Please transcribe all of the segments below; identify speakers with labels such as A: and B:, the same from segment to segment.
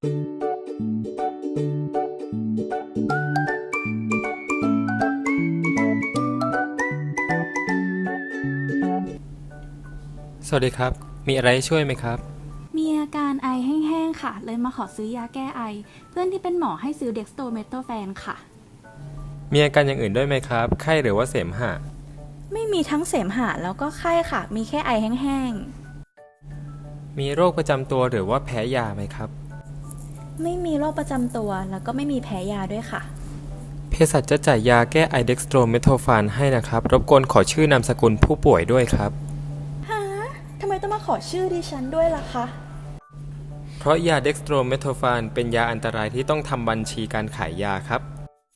A: สวัสดีครับมีอะไรช่วยไหมครับ
B: มีอาการไอแห้งๆค่ะเลยมาขอซื้อยาแก้ไอเพื่อนที่เป็นหมอให้ซื้อเด็กสโตเมโทแฟนค่ะ
A: มีอาการอย่างอื่นด้วยไหมครับไข้หรือว่าเสมหะ
B: ไม่มีทั้งเสมหะแล้วก็ไข้ค่ะมีแค่ไอแห้ง
A: มีโรคประจำตัวหรือว่าแพ้ยาไหมครับ
B: ๆไม่มีโรคประจำตัวแล้วก็ไม่มีแพ้ยาด้วยค่ะ
A: เภสัชจะจ่ายยาแก้ไอเด็กสโตรเมโทฟานให้นะครับรบกวนขอชื่อนามสกุลผู้ป่วยด้วยครับ
B: ฮะทำไมต้องมาขอชื่อดิฉันด้วยล่ะคะ
A: เพราะยาเด็กสโตรเมโทฟานเป็นยาอันตรายที่ต้องทำบัญชีการขายยาครับ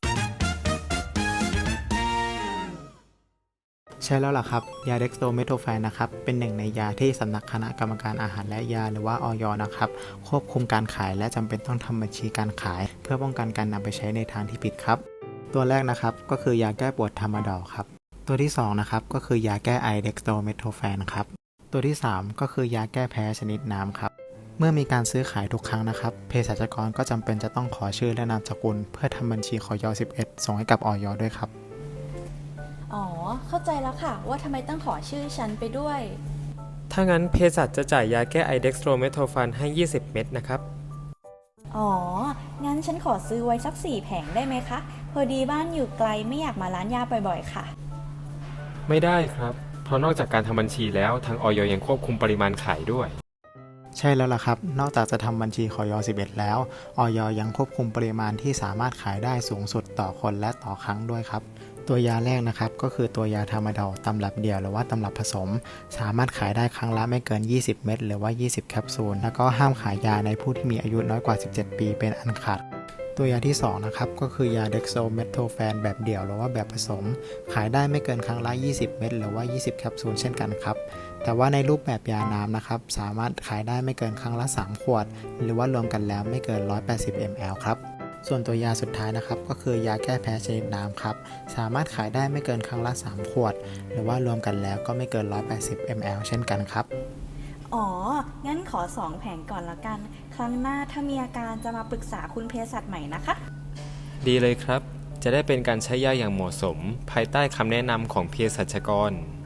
C: ใช่แล้วล่ะครับยาเด็กโตเมโทแฟนนะครับเป็นหนึ่งในยาที่สำนักคณะกรรมการอาหารและยาหรือว่าอย.นะครับควบคุมการขายและจำเป็นต้องทำบัญชีการขายเพื่อป้องกันการนำไปใช้ในทางที่ผิดครับตัวแรกนะครับก็คือยาแก้ปวดทามาดอลครับตัวที่2นะครับก็คือยาแก้ไอเด็กโตเมโทแฟนครับตัวที่3ก็คือยาแก้แพ้ชนิดน้ำครับเมื่อมีการซื้อขายทุกครั้งนะครับเภสัชกรก็จำเป็นจะต้องขอชื่อและนามสกุลเพื่อทำบัญชีขอย11ส่งให้กับอย.ด้วยครับ
B: อ๋อเข้าใจแล้วค่ะว่าทำไมต้องขอชื่อฉันไปด้วย
A: ถ้างั้นเภสัชจะจ่ายยาแก้ไอเด็กสโตรเมโทฟานให้20 เม็ดนะครับ
B: อ๋องั้นฉันขอซื้อไว้สัก4 แผงได้ไหมคะพอดีบ้านอยู่ไกลไม่อยากมาร้านยาบ่อยๆค่ะ
A: ไม่ได้ครับเพราะนอกจากการทำบัญชีแล้วทางอย.ยังควบคุมปริมาณขายด้วย
C: ใช่แล้วล่ะครับนอกจากจะทำบัญชีขอย11แล้วอย.ยังควบคุมปริมาณที่สามารถขายได้สูงสุดต่อคนและต่อครั้งด้วยครับตัวยาแรกนะครับก็คือตัวยาทามาดอลตำรับเดี่ยวหรือว่าตำรับผสมสามารถขายได้ครั้งละไม่เกิน20 เม็ดหรือว่า20 แคปซูลแล้วก็ห้ามขายยาในผู้ที่มีอายุน้อยกว่า17 ปีเป็นอันขาดตัวยาที่2นะครับก็คือยาเด็กโซเมโทแฟนแบบเดี่ยวหรือว่าแบบผสมขายได้ไม่เกินครั้งละ20 เม็ดหรือว่า20 แคปซูลเช่นกันครับแต่ว่าในรูปแบบยาน้ำนะครับสามารถขายได้ไม่เกินครั้งละ3 ขวดหรือว่ารวมกันแล้วไม่เกิน180 ml ครับส่วนตัวยาสุดท้ายนะครับก็คือยาแก้แพ้ชนิดน้ำครับสามารถขายได้ไม่เกินครั้งละ3 ขวดหรือว่ารวมกันแล้วก็ไม่เกิน180 ml เช่นกันครับ
B: อ๋องั้นขอ2 แผงก่อนละกันครั้งหน้าถ้ามีอาการจะมาปรึกษาคุณเภสัชใหม่นะคะ
A: ดีเลยครับจะได้เป็นการใช้ยาอย่างเหมาะสมภายใต้คำแนะนำของเภสัชกร